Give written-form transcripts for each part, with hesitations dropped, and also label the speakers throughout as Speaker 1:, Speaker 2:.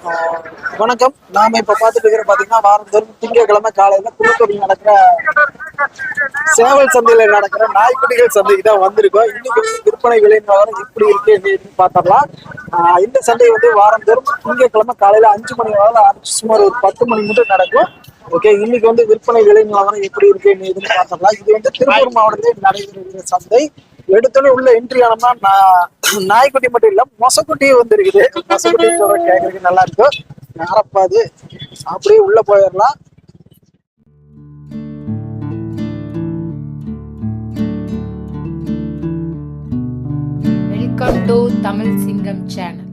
Speaker 1: வணக்கம். நாம இப்ப பாத்துட்டு இருக்கிற பாத்தீங்கன்னா வாரந்தோறும் திங்கட்கிழமை காலையில புதுக்கோட்டையில் நடக்கிற சேவல் சந்தையில நடக்கிற நாய்க்குட்டிகள் சந்தைக்கு தான் வந்திருக்கோம். இன்னைக்கு விற்பனை விலை நிலவரம் எப்படி இருக்கு அப்படின்னு பாத்திரலாம். இந்த சந்தை வந்து வாரந்தோறும் திங்கட்கிழமை காலையில 5 மணி வரை ஆரம்பிச்சு சுமார் ஒரு 10 மணி மட்டும் நடக்கும். ஓகே, இன்னைக்கு வந்து விற்பனை விலை நிலவரம் எப்படி இருக்கு அப்படின்னு பாத்திரலாம். இது வந்து திருப்பூர் மாவட்டத்தில் நடைபெறுகிற சந்தை. எடுத்தோடனே உள்ள என்ட்ரி ஆனோம்னா நாய்க்குட்டி மட்டும் இல்ல மொசக்குட்டியும் வந்து இருக்குது. மொசக்குட்டி கேட்கறதுக்கு நல்லா இருக்கும். யாரப்பாது அப்படியே உள்ள போயிடலாம்.
Speaker 2: வெல்கம் டு தமிழ் சிங்கம் சேனல்.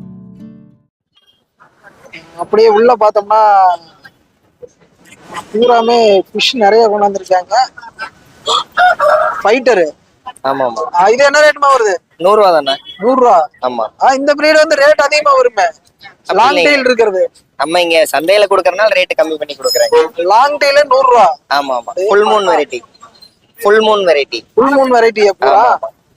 Speaker 1: அப்படியே உள்ள பார்த்தோம்னா பூராமே ஃபிஷ் நிறைய கொண்டாந்துருக்காங்க. ஃபைட்டரு.
Speaker 3: ஆமா ஆமா.
Speaker 1: இது என்ன ரேட்மா வருது?
Speaker 3: 100 ரூபா தானே?
Speaker 1: 100 ரூபா.
Speaker 3: ஆமா.
Speaker 1: இந்த பிரீடு வந்து ரேட் அதிகமா வருமே. லாங் டெயில் இருக்கிறது.
Speaker 3: நம்ம இங்க சந்தையில குடுக்கறனால ரேட் கம்மி பண்ணி குடுக்குறாங்க.
Speaker 1: லாங் டெயில் 100 ரூபா.
Speaker 3: ஆமா ஆமா. Full moon variety. Full moon variety.
Speaker 1: Full moon variety எப்பா?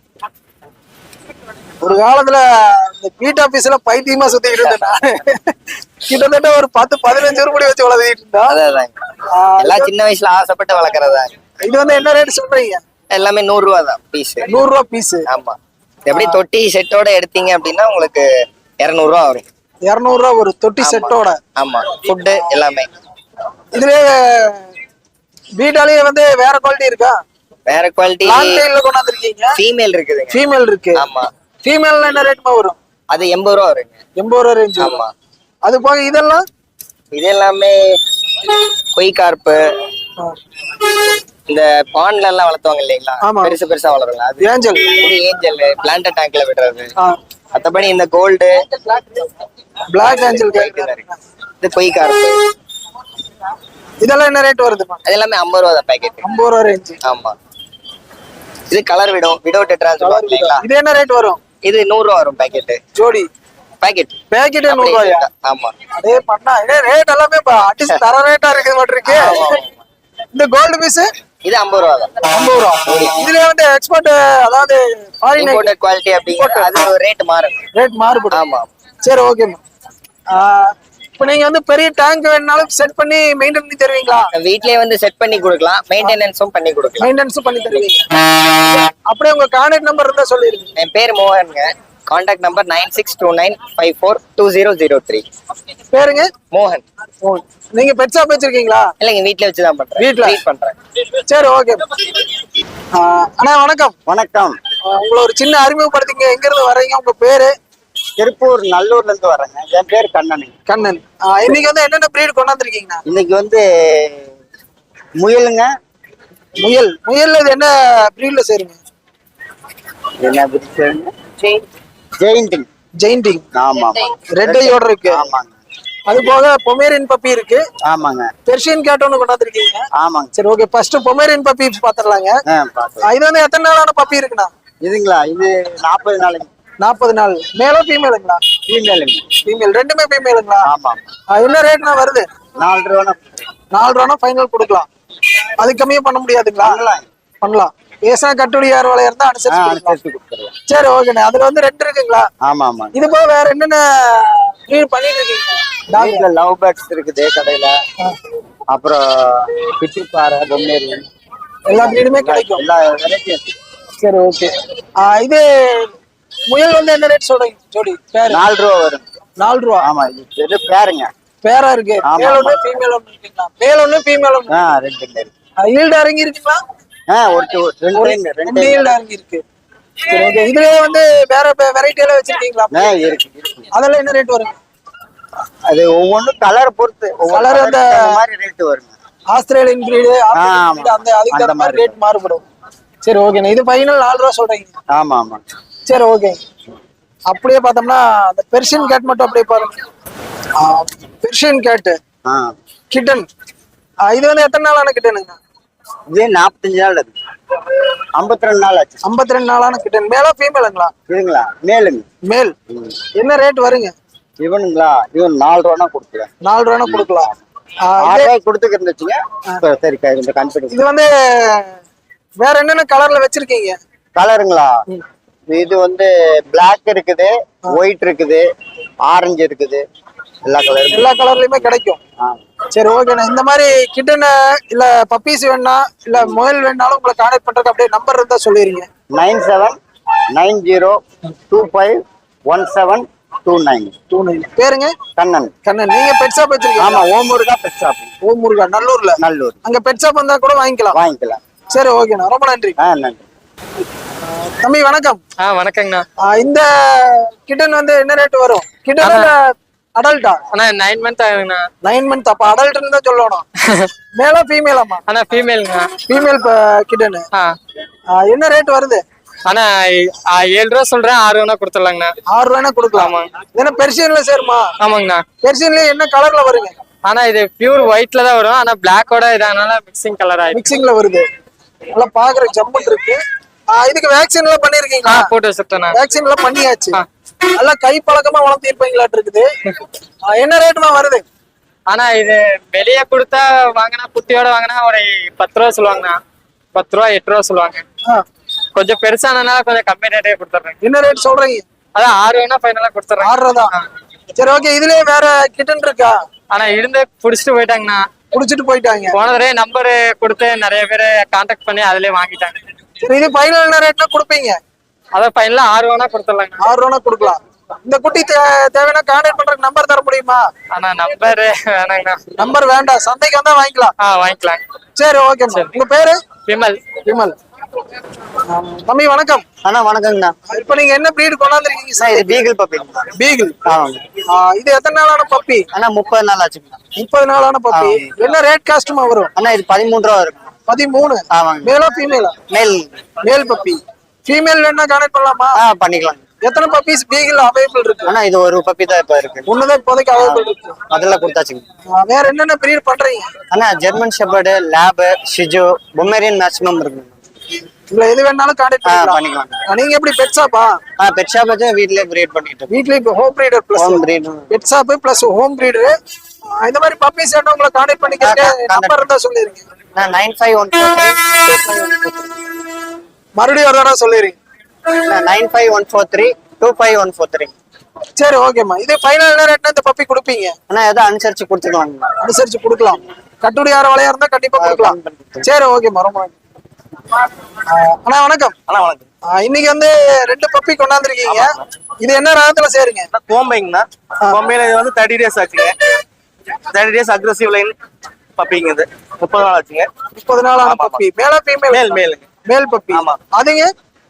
Speaker 1: ஒரு காலத்துல இந்த பீட் ஆபீஸ்ல பைத்தியமா சுத்திக்கிட்டு இருந்தேன். கிட்டத்தட்ட ஒரு 10-15 ரூபாய் வச்சு வளர்த்திட்டு இருந்தா.
Speaker 3: அதான் எல்லாம் சின்ன வயசுல ஆசைப்பட்டு வளர்க்கறதா.
Speaker 1: இது வந்து என்ன ரேட் சொல்றீங்க?
Speaker 3: எல்லாமே 100 ரூபா தான் பீஸ்.
Speaker 1: 100 ரூபா பீஸ்.
Speaker 3: ஆமா. எப்படி தொட்டி செட்டோட எடுத்தீங்க அப்படின்னா உங்களுக்கு 200 ரூபா வரும்.
Speaker 1: 200 ரூபா ஒரு தொட்டி செட்டோட.
Speaker 3: ஆமா. ஃபுட் எல்லாமே.
Speaker 1: இதுலயே பீட்டாலயே வந்து வேற குவாலிட்டி இருக்கா?
Speaker 3: வேற குவாலிட்டி.
Speaker 1: லாங் டெயில்ல கொண்டாந்துருக்கீங்க.
Speaker 3: ஃபீமேல் இருக்குதுங்க.
Speaker 1: ஃபீமேல் இருக்கு.
Speaker 3: ஆமா.
Speaker 1: ஃபீமேல்னா என்ன ரேட்மா வரும்?
Speaker 3: அது 80 ரூபா வருங்க.
Speaker 1: 80 ரூபா ரேஞ்ச்.
Speaker 3: ஆமா.
Speaker 1: அது போக இதெல்லாம்
Speaker 3: இது எல்லாமே கொய் கார்ப்பு, இந்த பாண்ட்ல எல்லாம் வளர்த்துவாங்க இல்லைங்களா? பெருசு பெருசா வளருங்க. அது
Speaker 1: ஏஞ்சல்.
Speaker 3: இது ஏஞ்சல் பிளான்ட் டேங்க்ல விடுறது. மத்தபடி இந்த கோல்டு
Speaker 1: பிளாக் ஏஞ்சல்
Speaker 3: இது கொய் கார்ப்பு.
Speaker 1: இதெல்லாம் என்ன ரேட் வருதுமா?
Speaker 3: அது எல்லாமே 50 ரூபா தான் பேக்கெட்.
Speaker 1: 50 ரூபா ரேஞ்ச்.
Speaker 3: ஆமா. இது கலர் விடோ டெட்ராஸ் இல்லைங்களா?
Speaker 1: இது என்ன ரேட் வரும்?
Speaker 3: இது 100 ரூபா வரும் பேக்கெட். ஜோடி பேக்கெட் 100
Speaker 1: ரூபாயா?
Speaker 3: ஆமா.
Speaker 1: அதே பண்ணா ரேட் எல்லாமே அடிச்சு தர ரேட்டா இருக்கு மாட்டிருக்கு. இந்த கோல்டு பீஸ்
Speaker 3: இது 50 ரூபா தான்.
Speaker 1: 50 ரூபா. இதுல வந்து எக்ஸ்போர்ட், அதாவது ஃபாரின்
Speaker 3: இம்போர்ட்டட் குவாலிட்டி அப்படிங்க. அது ரேட் மாறும்.
Speaker 1: ரேட் மாறுபடும்.
Speaker 3: ஆமா.
Speaker 1: சரி, ஓகேமா. இப்போ நீங்க வந்து பெரிய டேங்க் வேணாலும் செட் பண்ணி மெயின்டைன் பண்ணி தருவீங்களா?
Speaker 3: வீட்லயே வந்து செட் பண்ணி கொடுக்கலாம். மெயின்டெனன்ஸும் பண்ணி கொடுக்கலாம்.
Speaker 1: மெயின்டெனன்ஸும் பண்ணி தருவீங்க. அப்படியே உங்க கான்டாக்ட் நம்பர் இருந்தா சொல்லிருங்க.
Speaker 3: என் பேர் மோகன்ங்க. Contact number 9629542003.
Speaker 1: பேருங்க?
Speaker 3: மோகன்.
Speaker 1: நீங்க பெட் ஷாப் வச்சிருக்கீங்களா?
Speaker 3: இல்லைங்க, வீட்ல வச்சு தான் பண்றேன்.
Speaker 1: வீட்ல
Speaker 3: பண்றேன்.
Speaker 1: சரி, ஓகே. அண்ணா வணக்கம்.
Speaker 3: வணக்கம்.
Speaker 1: உங்களை ஒரு சின்ன அறிமுகப்படுத்திங்க. எங்க இருந்து வர்றீங்க? உங்க பேரு?
Speaker 3: திருப்பூர் நல்லூர்ல இருந்து வரேங்க. என் பேர் கண்ணன்.
Speaker 1: கண்ணன். இன்னைக்கு வந்து என்னென்ன பிரீடு கொண்டாந்துருக்கீங்கண்ணா?
Speaker 3: இன்னைக்கு வந்து முயலுங்க.
Speaker 1: முயல்ல இது என்ன பிரீட்ல சேருங்க?
Speaker 3: என்ன பிரீட்? ஜெயிண்டிங். ஆமா.
Speaker 1: ரெட் ஐயோட இருக்கு.
Speaker 3: ஆமாங்க.
Speaker 1: அது போக பொமேரியன் பப்பி இருக்கு.
Speaker 3: ஆமாங்க.
Speaker 1: பெர்ஷியன் கேட் ஒன்று கொண்டாந்துருக்கீங்க.
Speaker 3: ஆமாங்க.
Speaker 1: சரி, ஓகே. ஃபர்ஸ்ட் பொமேரியன் பப்பி பாத்துடலாங்க. இது வந்து எத்தனை நாளான பப்பி இருக்குண்ணா?
Speaker 3: இதுங்களா? இது 40 நாளைக்கு.
Speaker 1: 40 நாள். மேலோ ஃபீமேலுங்களா? ஃபீமேல். ரெண்டுமே ஃபீமேலுங்களா?
Speaker 3: ஆமா.
Speaker 1: என்ன ரேட்னா வருது?
Speaker 3: 4 ரூபா.
Speaker 1: 4 ரூபா ஃபைனல் கொடுக்கலாம். அது கம்மியா பண்ண முடியாதுங்களா? பண்ணலாம். பேசா கட்டுடி யார் வளைய இருந்தா அனுசரிச்சு கொடுக்கலாம். சரி, ஓகேண்ணே. அதுல வந்து 2 இருக்குங்களா?
Speaker 3: ஆமா ஆமா.
Speaker 1: இது போக வேற என்னென்ன ப்ரீட் பண்ணிட்டு இருக்கீங்க?
Speaker 3: டாக்ல லவ் பேர்ட்ஸ் இருக்குது கடையில. அப்புறம் பிச்சிப்பாறை, பொம்மேரியன்
Speaker 1: எல்லா ப்ரீடுமே கிடைக்கும்.
Speaker 3: எல்லா வெரைட்டியும்.
Speaker 1: சரி, ஓகே. இது முயல் வந்து என்ன ரேட் சொல்றீங்க ஜோடி? பேர் 4
Speaker 3: ரூபா வரும்.
Speaker 1: 4 ரூபா.
Speaker 3: ஆமா. இது பேருங்க.
Speaker 1: பேரா இருக்கு. மேல் ஒண்ணு ஃபீமேல் ஒண்ணு இருக்குங்களா? மேல் ஒண்ணு ஃபீமேல் ஒண்ணு.
Speaker 3: ரெண்டு இருக்கு.
Speaker 1: ஈல்ட் இறங்கி இருக்குங்களா?
Speaker 3: ரெண்டு
Speaker 1: ஈல்ட் இறங்கி இருக்கு. சரி, ஓகே. இதுலயே வந்து வேற வெரைட்டி எல்லாம் வச்சிருக்கீங்களா?
Speaker 3: இருக்கு.
Speaker 1: அதெல்லாம் என்ன ரேட் வரும்?
Speaker 3: அது ஒவ்வொன்றும் கலர் பொறுத்து
Speaker 1: கலர் அந்த
Speaker 3: மாதிரி ரேட் வருங்க.
Speaker 1: ஆஸ்திரேலியன் பிரீடு அந்த அதுக்கு அந்த மாதிரி ரேட் மாறுபடும். சரி, ஓகேண்ணா. இது ஃபைனல் 4 ரூபா சொல்றீங்க?
Speaker 3: ஆமா ஆமா.
Speaker 1: சரி, ஓகே. அப்படியே பார்த்தோம்னா அந்த பெர்ஷியன் கேட் மட்டும் அப்படியே பாருங்க. Persian cat kitten. இது வந்து எத்தனை நாளான கிட்டனுங்க?
Speaker 3: இது 45 நாள் இருக்கு. 52 நாள் ஆச்சு.
Speaker 1: 52 நாளான கிட்டன். மேலா ஃபீமேலுங்களா?
Speaker 3: இதுங்களா? மேலுங்க.
Speaker 1: மேல். என்ன ரேட் வருங்க?
Speaker 3: இவனுங்களா? இவன் 4 ரூபா கொடுக்குறேன்.
Speaker 1: 4 ரூபா கொடுக்கலாம்.
Speaker 3: 6 ரூபாய் கொடுத்துக்க இருந்துச்சுங்க. சரி, இந்த கன்ஃபிடன்ஸ்.
Speaker 1: இது வந்து வேற என்னென்ன கலர்ல வச்சிருக்கீங்க?
Speaker 3: கலருங்களா? இது வந்து பிளாக் இருக்குது, ஒயிட் இருக்குது, ஆரஞ்சு இருக்குது,
Speaker 4: எல்லா கலரும்
Speaker 1: எல்லா கலர்லயுமே கிடைக்கும். சரி ஓகேண்ணா. இந்த மாதிரி கிட்டன இல்ல பப்பீஸ் வேணா இல்ல முயல் வேணாலும் உங்களை கான்டாக்ட் பண்றதுக்கு அப்படியே நம்பர் இருந்தா சொல்லிடுங்க.
Speaker 4: 9790251729.
Speaker 1: பேருங்க?
Speaker 4: கண்ணன்.
Speaker 1: கண்ணன். நீங்க பெட் ஷாப் வச்சிருக்கீங்க?
Speaker 4: ஆமா, ஓம் முருகா பெட் ஷாப்.
Speaker 1: ஓம் முருகா, நல்லூர்ல.
Speaker 4: நல்லூர்.
Speaker 1: அங்க பெட் ஷாப் வந்தா கூட வாங்கிக்கலாம்.
Speaker 4: வாங்கிக்கலாம்.
Speaker 1: சரி ஓகேண்ணா, ரொம்ப நன்றி.
Speaker 4: நன்றி
Speaker 1: தம்பி வணக்கம்.
Speaker 5: வணக்கங்கண்ணா.
Speaker 1: இந்த கிட்டன் வந்து என்ன ரேட் வரும்? கிட்டன் அடல்ட்டா?
Speaker 5: அண்ணா 9 மந்த் ஆகுதுண்ணா.
Speaker 1: 9 மந்த். அப்ப அடல்ட்னு தான் சொல்லணும். மேலா ஃபீமேலாமா?
Speaker 5: அண்ணா ஃபீமேலுங்க.
Speaker 1: Female kitten. என்ன ரேட் வருது?
Speaker 5: அண்ணா 7 ரூபா சொல்றேன், 6 ரூபா கொடுத்துடலாங்கண்ணா.
Speaker 1: 6 ரூபா கொடுக்கலாமா? ஏன்னா பெர்சியன்ல சேருமா?
Speaker 5: ஆமாங்கண்ணா.
Speaker 1: பெர்சியன்ல என்ன கலர்ல வருங்க?
Speaker 5: ஆனா இது பியூர் ஒயிட்ல தான் வரும். ஆனா பிளாக்கோட இதனால மிக்சிங் கலர் ஆயிடுச்சு.
Speaker 1: மிக்சிங்ல வருது. நல்லா பாக்குற ஜம்முன் இருக்கு. இதுக்கு வேக்சின் எல்லாம் பண்ணிருக்கீங்களா?
Speaker 5: போட்டு வச்சுட்டேண்ணா.
Speaker 1: வேக்சின் எல்லாம் பண்ணியாச்சு. நல்லா கை பழக்கமா வளர்த்திருப்பீங்களாட்டு இருக்குது. என்ன ரேட்டுமா வருது?
Speaker 5: ஆனா இது வெளியே கொடுத்தா வாங்கினா குட்டியோட வாங்கினா ஒரு 10 ரூபா சொல்லுவாங்கண்ணா. 10 ரூபா 8 ரூபா சொல்லுவாங்க. கொஞ்சம் பெருசானதுனால கொஞ்சம் கம்மி ரேட்டே கொடுத்துட்றேன்.
Speaker 1: என்ன ரேட் சொல்றீங்க?
Speaker 5: அதான் 6 ரூபா ஃபைனலா கொடுத்துட்றேன்.
Speaker 1: 6 ரூபா தான். சரி ஓகே. இதுலயே வேற கிட்டன் இருக்கா?
Speaker 5: ஆனா இருந்து புடிச்சிட்டு போயிட்டாங்கண்ணா.
Speaker 1: புடிச்சிட்டு போயிட்டாங்க.
Speaker 5: போன தடவை நம்பர் கொடுத்து நிறைய பேர் கான்டாக்ட் பண்ணி அதுலயே வாங்கிட்டாங்க.
Speaker 1: சரி, இது ஃபைனல் என்ன ரேட்னா கொடுப்பீங்க?
Speaker 5: அதான் ஃபைனலா 6 ரூபா கொடுத்துடலாங்க.
Speaker 1: 6 ரூபா கொடுக்கலாம். இந்த குட்டி தேவைன்னா கான்டாக்ட் பண்றதுக்கு நம்பர் தர முடியுமா?
Speaker 5: ஆனா நம்பர் வேணாங்கண்ணா.
Speaker 1: நம்பர் வேண்டாம், சந்தைக்கு வந்தா வாங்கிக்கலாம்.
Speaker 5: வாங்கிக்கலாம்.
Speaker 1: சரி ஓகே. உங்க பேரு?
Speaker 5: விமல்.
Speaker 1: விமல். தம்பி வணக்கம்.
Speaker 4: அண்ணா வணக்கங்கண்ணா.
Speaker 1: இப்ப நீங்க என்ன பிரீடு கொண்டாந்துருக்கீங்க?
Speaker 4: இது பீகிள் பப்பி.
Speaker 1: பீகிள். இது எத்தனை நாளான பப்பி?
Speaker 4: அண்ணா 30 நாள் ஆச்சுங்கண்ணா.
Speaker 1: 30 நாளான பப்பி. என்ன ரேட் காஸ்டுமா வரும்?
Speaker 4: அண்ணா இது 13 ரூபா இருக்கும்.
Speaker 1: 13.
Speaker 4: ஆமாங்க.
Speaker 1: மேலா ஃபீமேலா?
Speaker 4: மேல்.
Speaker 1: Male puppy. ஃபீமேல் வேணா கான்டாக்ட் பண்ணலாமா?
Speaker 4: பண்ணிக்கலாம்.
Speaker 1: எத்தனை பப்பீஸ் பீகிள் அவைலபிள் இருக்கு?
Speaker 4: அண்ணா இது ஒரு பப்பி தான் இப்ப இருக்கு.
Speaker 1: ஒண்ணுதான் இப்போதைக்கு அவைலபிள் இருக்கு.
Speaker 4: அதெல்லாம் கொடுத்தாச்சுங்க.
Speaker 1: வேற என்னென்ன பிரீட் பண்றீங்க?
Speaker 4: அண்ணா ஜெர்மன் ஷெப்பர்டு, லேப், ஷிஜு, பொமேரியன் மேக்ஸிமம் இருக்கு.
Speaker 1: இல்ல எது வேணாலும் கான்டாக்ட்
Speaker 4: பண்ணிக்கலாம்.
Speaker 1: நீங்க எப்படி பெட் ஷாப்பா?
Speaker 4: பெட் ஷாப் வச்சு வீட்லயே பிரீட் பண்ணிட்டு இருக்கோம்.
Speaker 1: வீட்லயே home breeder plus
Speaker 4: home breed.
Speaker 1: Pet shop plus home breeder. இந்த மாதிரி பப்பீஸ் வேணும் உங்களை கான்டாக்ட் பண்ணிக்கிறேன். நம்பர் இருந்தா சொல்லிருங்க.
Speaker 4: 9514325143.
Speaker 1: மறுபடியும் ஒரு தடவை சொல்லிருங்க.
Speaker 4: 9514325143.
Speaker 1: சரி ஓகேம்மா. இது ஃபைனல் ரேட்னா இந்த பப்பி கொடுப்பீங்க?
Speaker 4: அண்ணா ஏதோ அனுசரிச்சு கொடுத்துக்கலாம்.
Speaker 1: அனுசரிச்சு கொடுக்கலாம். கட்டுப்படி யார வளையா இருந்தா கண்டிப்பா கொடுக்கலாம். சரி ஓகேம்மா, ரொம்ப நன்றி. அண்ணா வணக்கம்.
Speaker 6: அண்ணா வணக்கம்.
Speaker 1: இன்னைக்கு வந்து 2 பப்பி கொண்டாந்துருக்கீங்க. இது என்ன ரகத்துல சேருங்க?
Speaker 6: கோம்பைங்கண்ணா. கோம்பையில இது வந்து 30 days ஆச்சுங்க. 30 days அக்ரெசிவ் லைன் பப்பிங்க. இது 30 நாள் ஆச்சுங்க.
Speaker 1: 30 நாளான பப்பி. மேலா ஃபீமேல்?
Speaker 6: மேல் மேலுங்க.
Speaker 1: Male puppy.
Speaker 6: ஆமா.
Speaker 1: அதுங்க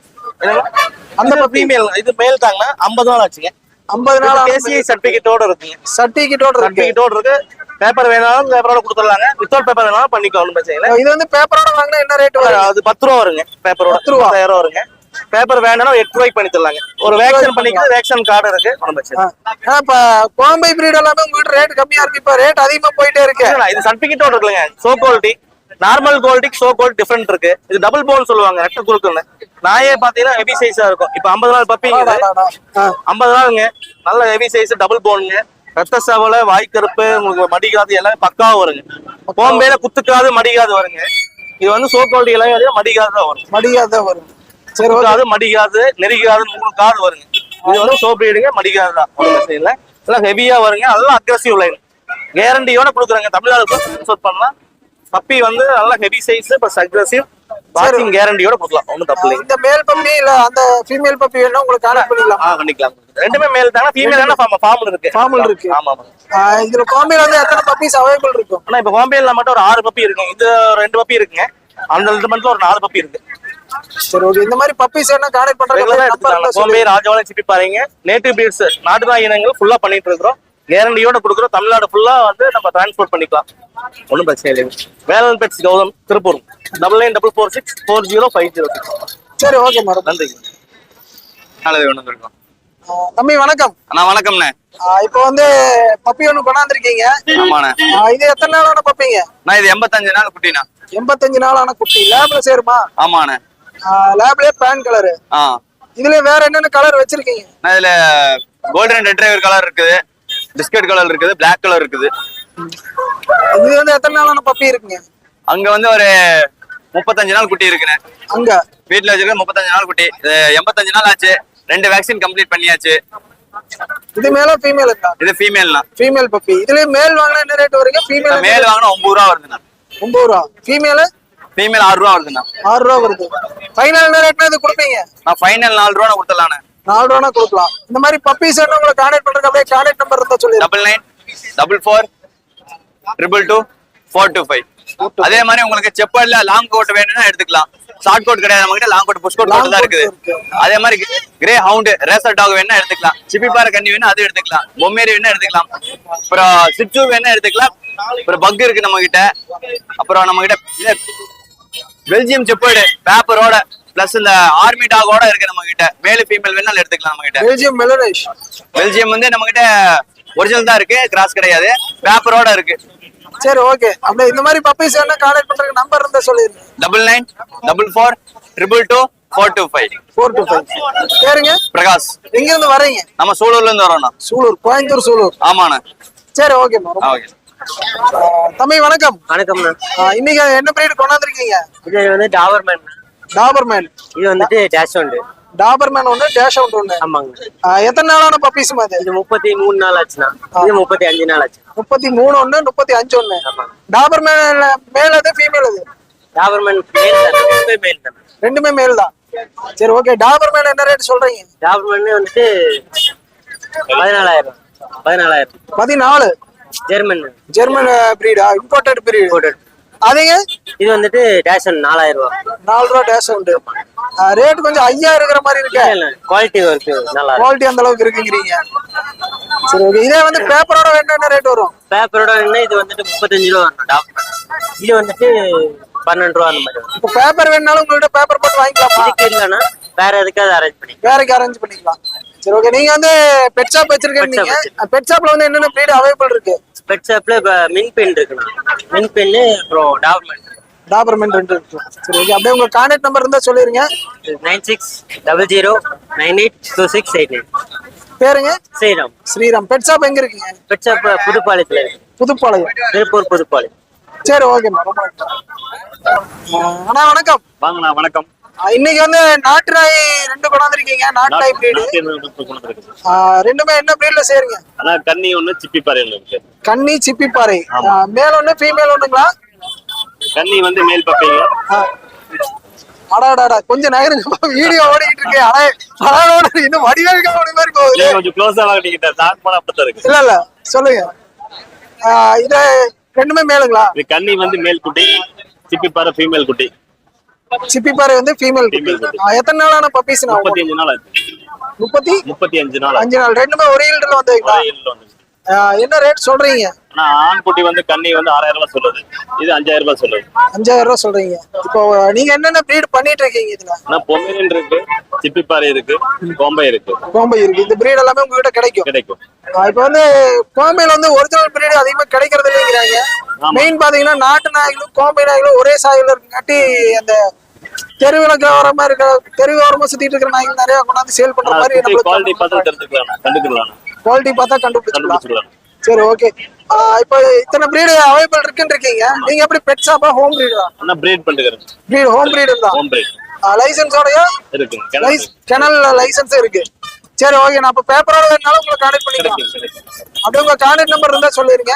Speaker 6: அந்த ஃபீமேல். இது மேல் தாங்கண்ணா. 50 நாள் ஆச்சுங்க.
Speaker 1: 50 நாள்
Speaker 6: கேசிஐ சர்டிபிகேட்டோட இருக்குங்க.
Speaker 1: சர்டிபிகேட்டோட இருக்கு.
Speaker 6: சர்டிபிகேட்டோட இருக்கு. பேப்பர் வேணாலும் பேப்பரோட கொடுத்துடலாங்க. வித்தவுட் பேப்பர் வேணாலும் பண்ணிக்கலாம். ஒன்றும் பிரச்சனை இல்லை.
Speaker 1: இது வந்து பேப்பரோட வாங்கினா என்ன ரேட் வரும்?
Speaker 6: அது 10 ரூபா வருங்க. பேப்பரோட 10,000 ரூபா வருங்க. பேப்பர் வேணாலும் 8 ரூபாய்க்கு பண்ணி தரலாங்க. ஒரு வேக்சின் பண்ணிக்கிறது வேக்சின் கார்டு இருக்கு. ஒன்றும் பிரச்சனை இல்லை.
Speaker 1: இப்ப கோம்பை பிரீட் எல்லாமே உங்ககிட்ட ரேட் கம்மியா இருக்கு. இப்ப ரேட் அதிகமா போயிட்டே இருக்கு.
Speaker 6: இது சர்டிபிகேட்டோட இருக்குங்க. சோ குவாலிட்டி நார்மல் குவாலிட்டிக்கு சோ குவாலிட்டி டிஃபரெண்ட் இருக்கு. இது டபுள் போன் சொல்லுவாங்க. ரெட்டை குறுக்குன்னு. நாயே பாத்தீங்கன்னா ஹெவி சைஸா இருக்கும். இப்ப 50 நாள் பப்பி 50 நாளுங்க. நல்ல ஹெவி சைஸ் டபுள் போனுங்க. ரத்த சவலை, வாய்க்கருப்பு, உங்களுக்கு மடிக்காது எல்லாமே பக்காவா வருங்க. கோம்பையில குத்துக்காது மடிக்காது வருங்க. இது வந்து சோ குவாலிட்டி எல்லாமே மடிக்காது தான் வரும்.
Speaker 1: மடிக்காத வரும். சரி
Speaker 6: குத்துக்காது மடிக்காது நெருக்காது 3 காது வருங்க. இது வந்து சோ பிரீடுங்க. மடிக்காது தான். இல்ல எல்லாம் ஹெவியா வருங்க. அதெல்லாம் அக்ரெசிவ் லைன் கேரண்டியோட கொடுக்குறாங்க. தமிழ்நாடு பண்ணலாம். பப்பி வந்து நல்லா ஹெவி சைஸ் பிளஸ் அக்ரெசிவ் வாட்சிங் கேரண்டியோட கொடுக்கலாம். ஒன்றும் தப்பு இல்லை.
Speaker 1: இந்த மேல் பப்பி இல்ல அந்த ஃபீமேல் பப்பி வேணா உங்களுக்கு கான்டாக்ட் பண்ணிக்கலாம்.
Speaker 6: பண்ணிக்கலாம். ரெண்டுமே மேல் தாங்க. ஃபீமேல் ஃபார்மல் இருக்கு.
Speaker 1: ஃபார்மல் இருக்கு.
Speaker 6: ஆமா.
Speaker 1: இதுல கோம்பையில வந்து எத்தனை பப்பீஸ் அவைலபிள் இருக்கும்?
Speaker 6: ஆனா இப்ப கோம்பையில மட்டும் ஒரு 6 பப்பி இருக்குங்க. இது 2 பப்பி இருக்குங்க. அந்த 2 மந்த்ல ஒரு 4 பப்பி இருக்கு.
Speaker 1: சரி ஓகே. இந்த மாதிரி பப்பீஸ் என்ன கான்டாக்ட் பண்றீங்க?
Speaker 6: கோம்பை, ராஜவாளம், சிப்பி பாருங்க. நேட்டிவ் பிரீட்ஸ் நாட்டு நாய் இனங்கள் ஃபுல்லா பண்ணிட்டு இருக்கிறோம். கேரண்டியோட கொடுக்குறோம். தமிழ்நாடு ஃபுல்லா வந்து நம்ம டிரான்ஸ்போர்ட் பண்ணிக்கலாம். ஒன்றும் பிரச்சனை இல்லை. வேலன் பெட்ஸ் கௌதம், திருப்பூர். 9944640506.
Speaker 1: சரி ஓகே மேடம்,
Speaker 6: நன்றி. நல்லது ஒன்று இருக்கோம்.
Speaker 1: தம்பி வணக்கம்.
Speaker 6: அண்ணா வணக்கம்ண்ணே.
Speaker 1: இப்போ வந்து பப்பி ஒன்று கொண்டாந்துருக்கீங்க.
Speaker 6: ஆமாண்ணே.
Speaker 1: இது எத்தனை நாளான பப்பிங்க?
Speaker 6: நான் இது 85 நாள் குட்டிண்ணா.
Speaker 1: 85 நாளான குட்டி. லேப்ல சேருமா?
Speaker 6: ஆமாண்ணே.
Speaker 1: லேப்லயே பேன் கலரு. இதுல வேற என்னென்ன கலர் வச்சிருக்கீங்க?
Speaker 6: இதுல கோல்டன் ரெட்ரைவர் கலர் இருக்குது, பிஸ்கட் கலர் இருக்குது, பிளாக் கலர் இருக்குது.
Speaker 1: இது வந்து எத்தனை நாளான பப்பி இருக்குங்க?
Speaker 6: அங்க வந்து ஒரு 35 நாள் குட்டி இருக்குண்ணே.
Speaker 1: அங்க
Speaker 6: வீட்டுல வச்சிருக்க 35 நாள் குட்டி. 85 நாள் ஆச்சு. 2 வேக்சின் கம்ப்ளீட் பண்ணியாச்சு.
Speaker 1: இது மேல ஃபீமேலுங்களா?
Speaker 7: இது ஃபீமேல்னா.
Speaker 1: Female puppy. இதுலயே மேல் வாங்கினா என்ன ரேட் வருங்க? ஃபீமேல்
Speaker 7: மேல் வாங்கினா 9 ரூபா வருதுண்ணா.
Speaker 1: 9 ரூபா. ஃபீமேல்
Speaker 7: ஃபீமேல் 6 ரூபா வருதுண்ணா.
Speaker 1: 6 ரூபா வருது. ஃபைனல் என்ன ரேட்னா இது கொடுப்பீங்க?
Speaker 7: நான் ஃபைனல் 4 ரூபா கொடுத்துடலாண்ணே.
Speaker 1: 4 ரூபா கொடுக்கலாம். இந்த மாதிரி பப்பீஸ் வேணும் உங்களை கான்டாக்ட் பண்றதுக்கு அப்படியே கான்டாக்ட் நம்பர் இருந்தா சொல்லிடுங்க.
Speaker 7: 9944225425. அதே மாதிரி உங்களுக்கு செப்பல்ல லாங் கோட் வேணும்னா எடுத்துக்கலாம். ஷார்ட் கோட் கிடையாது நம்ம கிட்ட, லாங் கோட் புஷ் கோட் மட்டும் தான் இருக்குது. அதே மாதிரி கிரே ஹவுண்ட் ரேசர் டாக் வேணா எடுத்துக்கலாம். சிப்பிப்பாறை கன்னி வேணா அது எடுத்துக்கலாம். பொம்மேரி வேணா எடுத்துக்கலாம். அப்புறம் சிட்சு வேணா எடுத்துக்கலாம். அப்புறம் பக் இருக்கு நம்ம கிட்ட. அப்புறம் நம்ம கிட்ட பெல்ஜியம் செப்பர்டு பேப்பரோட பிளஸ் இந்த ஆர்மி டாகோட இருக்கு நம்ம கிட்ட. மேல் ஃபீமேல் வேணாலும் எடுத்துக்கலாம் நம்ம கிட்ட.
Speaker 1: பெல்ஜியம் மெலனேஷ்.
Speaker 7: பெல்ஜியம் வந்து நம்ம கிட்ட ஒரிஜினல் தான் இருக்கு, கிராஸ் கிடையாது, பேப்பரோட இருக்கு.
Speaker 1: சரி ஓகே. அப்படியே இந்த மாதிரி பப்பீஸ் வேணா கான்டாக்ட் பண்றதுக்கு நம்பர் இருந்தா சொல்லிருங்க.
Speaker 7: 9944225425.
Speaker 1: 425. பேருங்க?
Speaker 7: பிரகாஷ்.
Speaker 1: எங்க இருந்து வரீங்க?
Speaker 7: நம்ம சூலூர்ல இருந்து வரோம்ண்ணா.
Speaker 1: சூலூர், கோயம்புத்தூர் சூலூர்.
Speaker 7: ஆமாண்ணா.
Speaker 1: சரி ஓகே.
Speaker 7: ஓகே
Speaker 1: தம்பி வணக்கம்.
Speaker 4: வணக்கம்ண்ணா.
Speaker 1: இன்னைக்கு என்ன பிரீட் கொண்டாந்துருக்கீங்க?
Speaker 4: இது வந்து டாபர்மேன்.
Speaker 1: டாபர்மேன்.
Speaker 4: இது வந்துட்டு டேஷ் ஒன்று.
Speaker 1: டாபர்மேன் ஒண்ணு, டேஷ் அவுட் ஒண்ணு.
Speaker 4: ஆமாங்க.
Speaker 1: எத்தனை நாளான பப்பீஸ் அது?
Speaker 4: இது 33 நாள் ஆச்சுண்ணா. இது 35 நாள் ஆச்சு.
Speaker 1: 33 ஒண்ணு, 35 ஒண்ணு. டாபர்மேன் மேல் அது ஃபீமேல் அது?
Speaker 4: டாபர்மேன் மேல் தான். ரெண்டுமே மேல் தான்.
Speaker 1: ரெண்டுமே மேல் தான். சரி ஓகே. டாபர்மேன் என்ன ரேட் சொல்றீங்க?
Speaker 4: டாபர்மேன் வந்துட்டு 14,000.
Speaker 1: 14.
Speaker 4: ஜெர்மன்.
Speaker 1: ஜெர்மன் பிரீடா? Imported breed. அதுங்க
Speaker 4: இது வந்துட்டு டேஷ் 4,000 ரூபா.
Speaker 1: 4 ரூபா டேஷ் உண்டு. ரேட் கொஞ்சம் ஐயா இருக்கிற மாதிரி இருக்கு.
Speaker 4: குவாலிட்டி இருக்கு, நல்லா
Speaker 1: குவாலிட்டி அந்த அளவுக்கு இருக்குங்கிறீங்க. சரி ஓகே. இதே வந்து பேப்பரோட என்ன ரேட் வரும்?
Speaker 4: பேப்பரோட வேணும்னா இது வந்துட்டு 35 ரூபா வரும் டாபர்மேன். இது வந்துட்டு 12 ரூபா அந்த மாதிரி வரும்.
Speaker 1: இப்போ பேப்பர் வேணாலும் உங்கள்கிட்ட பேப்பர் போட்டு வாங்கிக்கலாமா?
Speaker 4: இதுக்கு இல்லைன்னா வேற எதுக்காவது அரேஞ்ச் பண்ணி
Speaker 1: வேறக்கு அரேஞ்ச் பண்ணிக்கலாம். சரி ஓகே. நீங்க வந்து பெட் ஷாப் வச்சிருக்கீங்க. பெட் ஷாப்ல வந்து என்னென்ன பிரீட் அவைலபிள் இருக்கு?
Speaker 4: பெட் ஷாப்ல மின் பென் இருக்குண்ணா. மின் பென்னு அப்புறம் டாபர்மேன்.
Speaker 1: டாபர்மேன் 2 இருக்கு. சரி ஓகே. அப்படியே உங்க கான்டாக்ட் நம்பர் இருந்தா சொல்லிருங்க.
Speaker 4: 9600982689.
Speaker 1: பேருங்க?
Speaker 4: ஸ்ரீராம்.
Speaker 1: ஸ்ரீராம். பெட் ஷாப் எங்க இருக்கீங்க?
Speaker 4: பெட் ஷாப் புதுப்பாளையத்துல இருக்கு.
Speaker 1: புதுப்பாளையம்.
Speaker 4: திருப்பூர் புதுப்பாளையம்.
Speaker 1: சரி ஓகே. அண்ணா வணக்கம்.
Speaker 8: வாங்கண்ணா வணக்கம்.
Speaker 1: இன்னைக்கு வந்து நாட்டு நாய் 2 கொண்டாந்துருக்கீங்க. நாட்டு நாய் பிரீடு ரெண்டுமே என்ன பிரீட்ல சேருங்க?
Speaker 8: ஆனா கன்னி ஒண்ணு சிப்பிப்பாறை இருக்கு.
Speaker 1: கன்னி சிப்பிப்பாறை. மேல் ஒண்ணு ஃபீமேல் ஒண்ணுங்களா?
Speaker 8: கன்னி வந்து மேல் பப்பைங்க.
Speaker 1: அடாடாடா கொஞ்சம் நகருங்க, வீடியோ ஓடிக்கிட்டு இருக்கு. அடாடோட இன்னும் வடிவேலுக்கா ஓடி மாதிரி போகுது.
Speaker 8: கொஞ்சம் க்ளோஸா வாங்கிட்டீங்க. ஸ்டார்ட் பண்ண அப்பதான் இருக்கு.
Speaker 1: இல்ல சொல்லுங்க. இது ரெண்டுமே மேலுங்களா?
Speaker 8: இது கன்னி வந்து மேல் குட்டி, சிப்பிப்பாறை ஃபீமேல் குட்டி.
Speaker 1: சிப்பிப்பாறை வந்து ஃபீமேல் குட்டி. எத்தனை நாளான பப்பீஸ்?
Speaker 8: 35 நாள் ஆச்சு. 35 நாள்.
Speaker 1: 5 நாள். ரெண்டுமே ஒரே ஈல்டுல வந்தீங்களா? என்ன ரேட் சொல்றீங்க?
Speaker 8: ஆனா ஆண் குட்டி வந்து கன்னி வந்து 6,000 ரூபாய் சொல்லுது. இது 5,000 ரூபாய் சொல்லுது.
Speaker 1: 5,000 ரூபாய் சொல்றீங்க. இப்போ நீங்க என்னென்ன பிரீட் பண்ணிட்டு இருக்கீங்க இதுல?
Speaker 8: ஆனா பொமேரியன் இருக்கு, சிப்பிப்பாறை இருக்கு, கோம்பை இருக்கு.
Speaker 1: கோம்பை இருக்கு. இந்த பிரீட் எல்லாமே உங்ககிட்ட கிடைக்கும். இப்போ வந்து கோம்பையில வந்து ஒரிஜினல் பிரீட் அதிகமா கிடைக்கிறது இல்லைங்கிறாங்க. மெயின் பாத்தீங்கன்னா நாட்டு நாய்களும் கோம்பை நாய்களும் ஒரே சாயில இருக்காட்டி அந்த தெருவிளக்கு ஓரமா இருக்க தெருவு ஓரமா சுத்திட்டு இருக்கிற நாய்கள் நிறைய கொண்டாந்து சேல் பண்ற மாதிரி
Speaker 8: குவாலிட்டி பார்த்தா தெரிஞ்சுக்கலாம், கண்டுக்கலாம்.
Speaker 1: குவாலிட்டி பார்த்தா கண்டுபிடிச்சிக்கலாம். சரி ஓகே. இப்போ இத்தனை பிரீடு அவைலபிள் இருக்குன்னு இருக்கீங்க. நீங்க எப்படி பெட் ஷாப்பா ஹோம் பிரீடா?
Speaker 8: நான் பிரீட் பண்ணிக்கிறேன்.
Speaker 1: பிரீட் ஹோம் பிரீடு தான்.
Speaker 8: Home breed.
Speaker 1: லைசென்ஸோடயா
Speaker 8: இருக்கு.
Speaker 1: கெனல் லைசென்ஸ் இருக்கு. சரி ஓகே. நான் இப்ப பேப்பரோட வேணாலும் உங்களை கான்டாக்ட் பண்ணிக்கலாம். அப்படியே உங்க கான்டாக்ட் நம்பர் இருந்தா சொல்லிருங்க.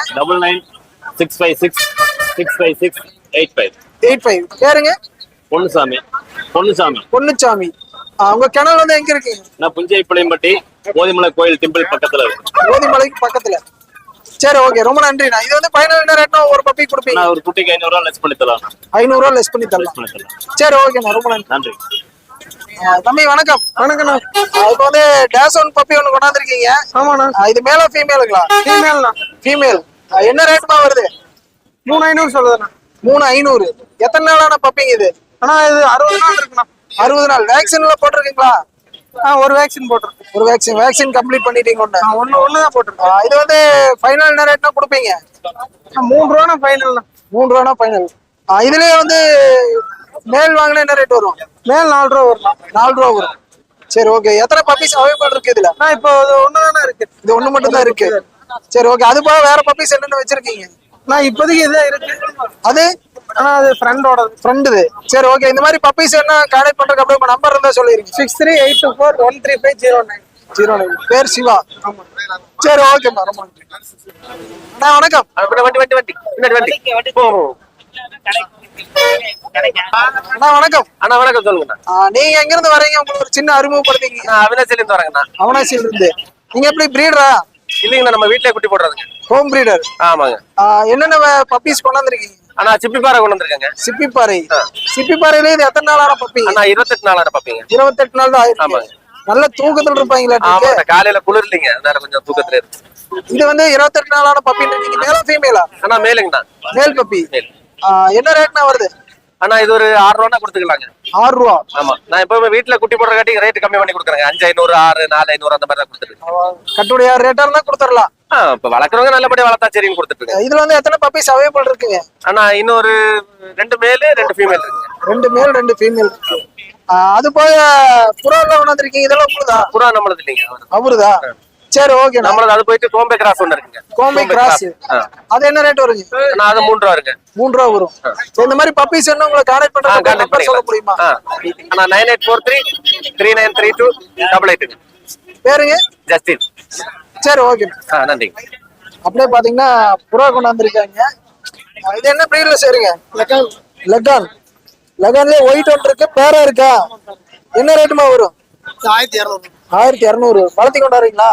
Speaker 8: 9965665585.
Speaker 1: பேருங்க?
Speaker 8: பொன்னுசாமி.
Speaker 1: பொன்னுசாமி. உங்க கிணல் வந்து எங்க இருக்கு?
Speaker 8: நான் புஞ்சைப்பாளையம்பட்டி கோதிமலை கோயில் டெம்பிள் பக்கத்துல இருக்கு.
Speaker 1: கோதிமலைக்கு பக்கத்துல. சரி ஓகே. ரொம்ப நன்றி. இது வந்து ஃபைனல் ரேட்னா ஒரு பப்பி கொடுப்பீங்க?
Speaker 8: நான் ஒரு குட்டிக்கு 500 ரூபாய் லெஸ் பண்ணி தரலாம்.
Speaker 1: 500 ரூபாய் லெஸ் பண்ணி தரலாம். சரி ஓகே. ரொம்ப நன்றி. தம்பி வணக்கம். வணக்கண்ணா. இப்போ வந்து டேஷ் ஒன் பப்பி ஒன்று கொண்டாந்துருக்கீங்க. ஆமாண்ணா. இது மேலா ஃபீமேலுங்களா? ஃபீமேல். என்ன ரேட்மா வருது?
Speaker 5: 3,500 சொல்லுதுண்ணா.
Speaker 1: 3,500. எத்தனை நாளான பப்பிங்க இது?
Speaker 5: ஆனா இது 60 நாள் இருக்குண்ணா.
Speaker 1: 60 நாள். வேக்சின்ல போட்டிருக்கீங்களா?
Speaker 5: ஒரு வேக்சின் போட்டிருக்கேன்.
Speaker 1: ஒரு வேக்சின் கம்ப்ளீட் பண்ணிட்டீங்க.
Speaker 5: ஒண்ணுதான் போட்டிருக்கேன்.
Speaker 1: இது வந்து ஃபைனல் என்ன ரேட்னா கொடுப்பீங்க?
Speaker 5: 3 ரூபா ஃபைனல்ண்ணா.
Speaker 1: 3 ரூபா ஃபைனல். இதுலயே வந்து மேல் வாங்கினா என்ன ரேட் வரும்?
Speaker 5: மேல் 4 ரூபா வரும்.
Speaker 1: 4 ரூபா வரும். சரி ஓகே. எத்தனை பப்பீஸ் அவைலபிள் இருக்கு இதுல?
Speaker 5: இப்போ ஒண்ணுதானே இருக்கு.
Speaker 1: இது ஒண்ணு மட்டும் தான் இருக்கு. சரி ஓகே. அது போக வேற பப்பீஸ் என்னென்ன வச்சிருக்கீங்க?
Speaker 5: இப்போதைக்கு இதே இருக்கு.
Speaker 1: அது
Speaker 5: அது ஃப்ரெண்டுது.
Speaker 1: சரி ஓகே. இந்த மாதிரி பப்பீஸ் என்ன கான்டாக்ட் பண்றதுக்கு அப்படியே உங்க நம்பர் இருந்தா சொல்லிருங்க.
Speaker 5: 6382413509.
Speaker 1: 09 பேர் சிவா. சரி ஓகேம்மா, ரொம்ப நன்றி. அண்ணா வணக்கம். அண்ணா வணக்கம்.
Speaker 6: அண்ணா வணக்கம், சொல்லுங்க.
Speaker 1: நீங்க எங்க இருந்து வரீங்க? உங்களுக்கு ஒரு சின்ன அறிமுகப்படுத்தீங்க.
Speaker 6: நான் அவினாசில இருந்து வரேங்கண்ணா.
Speaker 1: அவனாசியில இருந்து. நீங்க எப்படி பிரீடரா?
Speaker 6: இல்லைங்கண்ணா, நம்ம வீட்லயே குட்டி போடுறதுங்க.
Speaker 1: Home breeder.
Speaker 6: ஆமாங்க.
Speaker 1: என்னென்ன பப்பீஸ் கொண்டாந்துருக்கீங்க?
Speaker 6: அண்ணா சிப்பிப்பாறை கொண்டு வந்திருக்கேங்க.
Speaker 1: சிப்பிப்பாறை. சிப்பிப்பாறையில இது எத்தனை நாளான பப்பி?
Speaker 6: அண்ணா 28 நாளான பப்பிங்க.
Speaker 1: 28 நாள் தான் ஆயிருக்கு.
Speaker 6: ஆமாங்க.
Speaker 1: நல்ல தூக்கத்துல இருப்பாங்களா?
Speaker 6: ஆமாங்க, காலையில குளிர் இல்லைங்க, அதனால கொஞ்சம் தூக்கத்துல இருக்கு.
Speaker 1: இது வந்து 28 நாளான பப்பின்றீங்க. மேலா ஃபீமேலா?
Speaker 6: அண்ணா மேலுங்கண்ணா.
Speaker 1: Male puppy. என்ன ரேட்னா வருது?
Speaker 6: அண்ணா இது ஒரு 6 ரூபா கொடுத்துக்கலாங்க.
Speaker 1: 6 ரூபா.
Speaker 6: ஆமா, நான் எப்பவுமே வீட்டுல குட்டி போடுறக்காட்டி ரேட் கம்மி பண்ணி கொடுக்குறேங்க. 5,500, 6, 4,500 அந்த மாதிரி தான் கொடுத்துருக்கேன்.
Speaker 1: கட்டுடைய ரேட்டா இருந்தா கொடுத்துடலாம்.
Speaker 6: இப்ப வளர்க்குறவங்க நல்லபடியா வளர்த்தா சரின்னு கொடுத்துட்டு.
Speaker 1: இதுல வந்து எத்தனை பப்பீஸ் அவைலபிள் இருக்குங்க?
Speaker 6: அண்ணா இன்னொரு 2 மேல் 2 ஃபீமேல் இருக்குங்க.
Speaker 1: 2 மேல் 2 ஃபீமேல் இருக்கு. அது போக புறா எல்லாம் கொண்டாந்துருக்கீங்க. இதெல்லாம் உங்களுதா?
Speaker 6: புறா நம்மளது இல்லைங்க,
Speaker 1: அவருதா? சரி ஓகே.
Speaker 6: நம்மளது அது போயிட்டு கோம்பே கிராஸ் ஒண்ணு இருக்குங்க.
Speaker 1: கோம்பே கிராஸ். அது என்ன ரேட் வருங்க?
Speaker 6: நான் அது 3 ரூபா இருக்கு.
Speaker 1: 3 ரூபா வரும். இந்த மாதிரி பப்பீஸ் என்ன உங்களை கான்டாக்ட் பண்றது சொல்ல முடியுமா?
Speaker 6: அண்ணா 9843393288.
Speaker 1: பேருங்க?
Speaker 6: ஜஸ்டின்.
Speaker 1: சரி ஓகே.
Speaker 6: நன்றி.
Speaker 1: அப்படியே பாத்தீங்கன்னா புறா கொண்டாந்துருக்காங்க. இது என்ன பிரீட்ல சேருங்க? லெகான். லெகான்லயே ஒயிட் ஒன்று இருக்கு, பேரா இருக்கா? என்ன ரேட்டுமா வரும்?
Speaker 9: 1200.
Speaker 1: 1200. வளர்த்தி கொண்டாடுறீங்களா?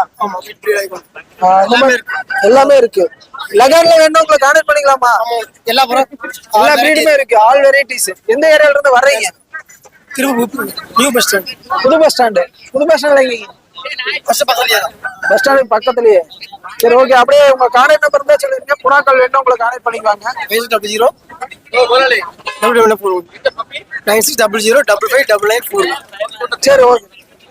Speaker 1: எல்லாமே இருக்கு. லெகான்ல வேணும் உங்களை கான்டாக்ட் பண்ணிக்கலாமா?
Speaker 9: எல்லா
Speaker 1: பிரீடுமே இருக்கு, ஆல் வெரைட்டிஸ். எந்த ஏரியால இருந்து வர்றீங்க?
Speaker 9: New bus stand.
Speaker 1: புது பஸ் ஸ்டாண்டு. புது பஸ் ஸ்டாண்ட்ல எங்க? பஸ் ஸ்டாண்ட் பக்கத்துலயே. சரி ஓகே. அப்படியே உங்க கான்டாக்ட் நம்பர் இருந்தா சொல்லுங்க. புறாக்கள் வேணும் உங்களை கான்டாக்ட் பண்ணிக்குவாங்க.
Speaker 9: 9600555594.
Speaker 1: சரி ஓகே.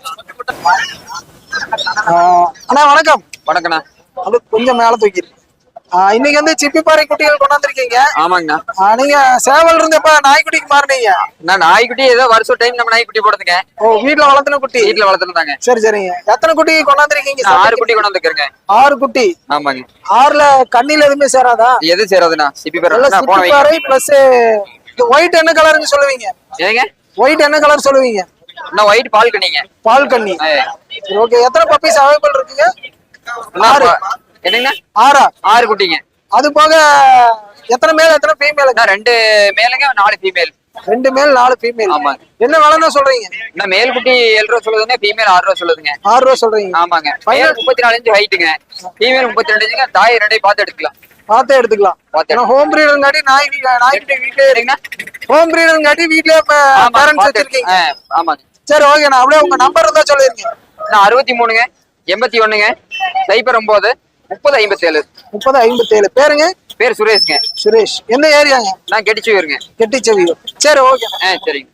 Speaker 1: அண்ணா வணக்கம்.
Speaker 10: வணக்கண்ணா.
Speaker 1: அது கொஞ்சம் மேல தூக்கி. இன்னைக்கு வந்து சிப்பிப்பாறை குட்டிகள் கொண்டாந்துருக்கீங்க.
Speaker 10: ஆமாங்கண்ணா.
Speaker 1: நீங்க சேவல் இருந்து எப்ப நாய்க்குட்டிக்கு மாறினீங்க?
Speaker 10: நான் நாய்க்குட்டி ஏதோ வருஷம் டைம் நம்ம நாய்க்குட்டி போடுறதுங்க.
Speaker 1: ஓ, வீட்டுல வளர்த்துன குட்டி?
Speaker 10: வீட்டுல வளர்த்துனாங்க.
Speaker 1: சரி சரிங்க. எத்தனை குட்டி கொண்டாந்துருக்கீங்க?
Speaker 10: 6 குட்டி கொண்டாந்துருக்கேங்க.
Speaker 1: 6 குட்டி.
Speaker 10: ஆமாங்க.
Speaker 1: 6ல கண்ணில எதுவுமே சேராதா?
Speaker 10: எது சேராதுண்ணா?
Speaker 1: சிப்பிப்பாறை பிளஸ் ஒயிட் என்ன கலர்னு சொல்லுவீங்க?
Speaker 10: ஏங்க
Speaker 1: ஒயிட் என்ன கலர் சொல்லுவீங்க?
Speaker 10: நான் ஒயிட் பால் கண்ணிங்க.
Speaker 1: பால் கண்ணி. ஓகே. எத்தனை பப்பீஸ் அவைலபிள் இருக்குங்க? 6.
Speaker 10: என்னங்க?
Speaker 1: 6
Speaker 10: குட்டிங்க.
Speaker 1: அது போக எத்தனை மேல் எத்தனை ஃபீமேல்?
Speaker 10: 2 மேலுங்க, 4 ஃபீமேல்.
Speaker 1: 2 மேல் 4 ஃபீமேல்.
Speaker 10: ஆமாங்க.
Speaker 1: என்ன விலைன்னு சொல்றீங்க?
Speaker 10: நான் மேல் குட்டி 7 ரூபா சொல்லுதுங்க, ஃபீமேல் 6 ரூபா சொல்லுதுங்க.
Speaker 1: 6 ரூபா சொல்றீங்க?
Speaker 10: ஆமாங்க. மேல் 34 இன்ச் ஹைட்டுங்க, ஃபீமேல் 32 இன்ச்சுங்க. தாய் 2 பார்த்து எடுத்துக்கலாம்.
Speaker 1: பார்த்தே எடுத்துக்கலாம். ஏன்னா ஹோம் பிரீடர்ங்காட்டி நாய்க்குட்டி வீட்லயே இருக்குங்க. ஹோம் பிரீடர்ங்காட்டி வீட்லயே பேரண்ட்ஸ் வச்சிருக்கீங்க.
Speaker 10: ஆமாங்க.
Speaker 1: சரி ஓகே. நான் அப்படியே உங்க நம்பர் இருந்தா சொல்லிருங்க.
Speaker 10: நான் 63ங்க 81ங்க 09 3057.
Speaker 1: 3057. பேருங்க?
Speaker 10: பேர் சுரேஷ்ங்க.
Speaker 1: சுரேஷ். எந்த ஏரியாங்க?
Speaker 10: நான் கெட்டிச்சுவீருங்க.
Speaker 1: கெட்டிச்செவியூர். சரி ஓகே.
Speaker 10: சரிங்க.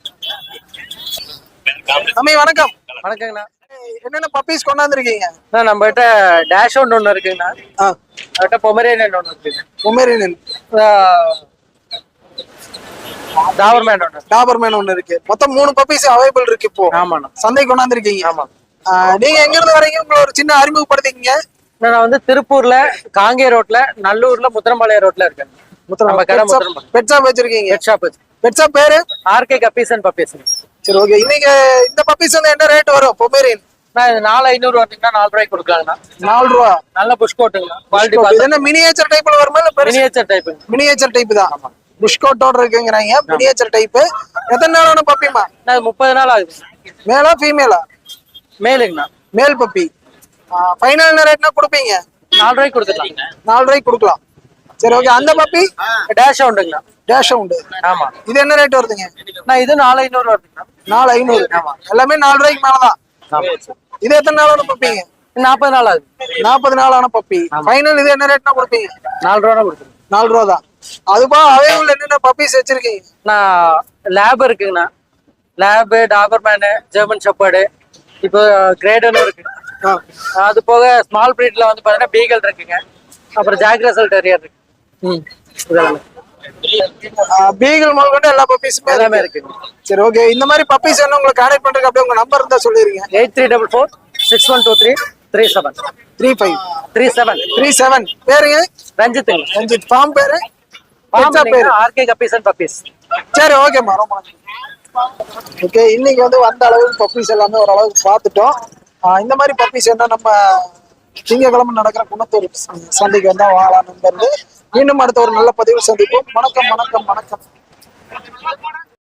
Speaker 1: அம்மி வணக்கம்.
Speaker 5: வணக்கங்கண்ணா.
Speaker 1: என்னென்ன பப்பீஸ் கொண்டாந்துருக்கீங்க?
Speaker 5: நம்ம கிட்ட டேஷ் ஒன்று இருக்குங்கண்ணா. அவர்கிட்ட பொமரேனியன் ஒன்று இருக்குங்க.
Speaker 1: பொமரேனியன். டாபர்மேன் ஒன்று இருக்கு. மொத்தம் 3 பப்பீஸ் அவைலபிள் இருக்கு இப்போ.
Speaker 5: ஆமாண்ணா.
Speaker 1: சந்தை கொண்டாந்துருக்கீங்க.
Speaker 5: ஆமா.
Speaker 1: நீங்க எங்க இருந்து வரீங்க? உங்களை ஒரு சின்ன அறிமுகப்படுத்திக்கீங்க.
Speaker 5: நான் வந்து திருப்பூர்ல காங்கேய ரோட்ல, நல்லூர்ல, முத்திரம்பாளையம் ரோட்ல இருக்கேன். நம்ம கடை
Speaker 1: பெட் ஷாப் வச்சிருக்கீங்க?
Speaker 5: Pet shop.
Speaker 1: பெட் ஷாப் பேரு?
Speaker 5: RK guppies and puppies.
Speaker 1: சரி ஓகே. இன்னைக்கு இந்த பப்பீஸ் வந்து என்ன ரேட் வரும்? பொமேரியன்
Speaker 5: நான் 4500 வந்தீங்கன்னா 4 ரூபாய்க்கு கொடுக்கலாங்கண்ணா.
Speaker 1: 4 ரூபா.
Speaker 5: நல்ல புஷ் கோட்டுங்கண்ணா. குவாலிட்டி
Speaker 1: இது என்ன மினியேச்சர் டைப்ல வருமா இல்ல பெரிய?
Speaker 5: Miniature type.
Speaker 1: மினியேச்சர் டைப் தான். புஷ் கோட்டோட இருக்குங்கறாங்க. Miniature type. எத்தனை நாளான பப்பிமா?
Speaker 5: நான் 30 நாள் ஆகுது.
Speaker 1: மேலா ஃபீமேலா?
Speaker 5: மேலுங்கண்ணா.
Speaker 1: Male puppy. ஃபைனல் என்ன ரேட்னா கொடுப்பீங்க?
Speaker 5: 4 ரூபாய்க்கு கொடுத்துக்கலாம்.
Speaker 1: 4 ரூபாய்க்கு கொடுக்கலாம். சரி ஓகே. அந்த பப்பி
Speaker 5: டேஷ் உண்டுங்கண்ணா.
Speaker 1: டேஷ் உண்டு.
Speaker 5: ஆமா.
Speaker 1: இது என்ன ரேட் வருதுங்க?
Speaker 5: நான் இது 4500 வருதுங்கண்ணா.
Speaker 1: 4500. ஆமா. எல்லாமே 4 ரூபாய்க்கு மேலதான். இது எத்தனை நாளான பப்பிங்க?
Speaker 5: 40 நாள் ஆகுது.
Speaker 1: 40 நாளான பப்பி. ஃபைனல் இது என்ன ரேட்னா கொடுப்பீங்க?
Speaker 5: 4 ரூபா கொடுத்துருங்க.
Speaker 1: 4 ரூபா தான். அதுபா அவைலபிள் என்னென்ன பப்பீஸ் வச்சிருக்கீங்க?
Speaker 5: நான் லேப் இருக்குங்கண்ணா. லேப், டாபர்மேனு, ஜெர்மன் ஷெப்பர்டு, இப்போ கிரேடனும் இருக்கு. அது போக ஸ்மால் பிரீட்ல வந்து பாத்தீங்கன்னா பீகல் இருக்குங்க. அப்புறம் ஜாக் ரசல் டெரியர் இருக்கு.
Speaker 1: பீகல் முதல் கொண்டு எல்லா பப்பீஸுமே
Speaker 5: எல்லாமே இருக்கு.
Speaker 1: சரி ஓகே. இந்த மாதிரி பப்பீஸ் என்ன உங்களுக்கு கான்டாக்ட் பண்றதுக்கு அப்படியே உங்க நம்பர் இருந்தா சொல்லிருங்க.
Speaker 5: 834461233537.
Speaker 1: பேருங்க?
Speaker 5: ரஞ்சித்.
Speaker 1: ரஞ்சித். ஃபார்ம் பேரு?
Speaker 5: பேரு ஆர்கே கப்பீஸ் அண்ட் பப்பீஸ்.
Speaker 1: சரி ஓகேம்மா. ரொம்ப ஓகே. இன்னைக்கு வந்து வந்த அளவுக்கு பப்பீஸ் எல்லாமே ஓரளவுக்கு பார்த்துட்டோம். இந்த மாதிரி பப்பீஸ் என்ன நம்ம திங்கக்கிழமை நடக்கிற குணத்தூர் சந்தைக்கு வந்தா வாழலாம் நண்பர்களே. மீண்டும் அடுத்த ஒரு நல்ல பதிவு சந்திப்போம். வணக்கம் வணக்கம் வணக்கம்.